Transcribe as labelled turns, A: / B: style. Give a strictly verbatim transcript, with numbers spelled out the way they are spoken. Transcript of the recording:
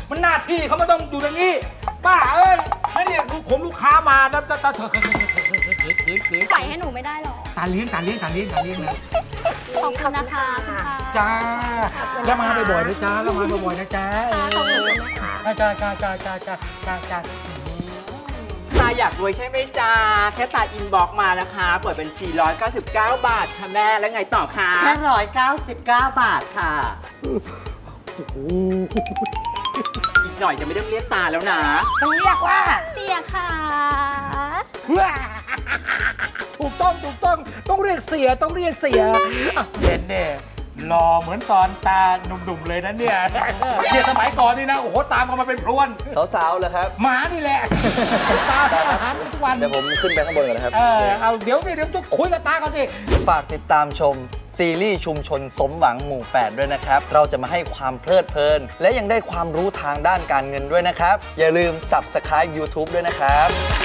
A: มันหน้าที่เขาไม่ต้องอยู่อย่างนี้ป้าเอ้ยไม่เนี่ยผมลูกค้ามาแล้วตาตาเถอะ
B: ใส่ให้หนูไม่ได้หรอ
A: ตาเลี้ยงตาเลี้ยงตาเลี้ยงตาเลี้ยงนะ
B: ขอบคุณนะคะคุณค่ะ
A: จ้าแล้วมาบ่อยๆนะจ้าแล้วมาบ่อยๆนะจ้า
B: ขอบคุณนะคะ
A: จ้าจ้าจ้าจ้าจ้าจ้าจ้า
C: ตาอยากรวยใช่ไหมจ้าแค่ตาอินบ็อกมานะคะเปิดบัญชีหนึ่งร้อยเก้าสิบเก้าบาทค่ะแม่แล้วไงต่อคะ
D: แค่ร้อยเก้าสิบเก้าบาทค่ะ
C: อีกหน่อยจะไม่ต้องเรียกตาแล้วนะ
D: ต้องเรียกว่า
B: เสียค่ะ
A: ถูกต้องถูกต้องต้องเรียกเสียต้องเรียกเสียอ่ะเด่นเนี่ยหล่อเหมือนตอนตาหนุ่มๆเลยนะเนี่ยเนี่ยสมัยก่อนนี่นะโอ้โหตามเขามาเป็นพรวน
E: สาวๆเลยครับ
A: หมานี่แหละตาทำอาหารทุกวัน
E: เดี๋ยวผมขึ้นไปข้างบนก่อนนะครับ
A: เออเอาเดี๋ยวสิเดี๋ยวจะคุยกับตาก่อนสิ
E: ฝากติดตามชมซีรีส์ชุมชนสมหวังหมู่แปดด้วยนะครับ เราจะมาให้ความเพลิดเพลิน และยังได้ความรู้ทางด้านการเงินด้วยนะครับ อย่าลืม Subscribe YouTube ด้วยนะครับ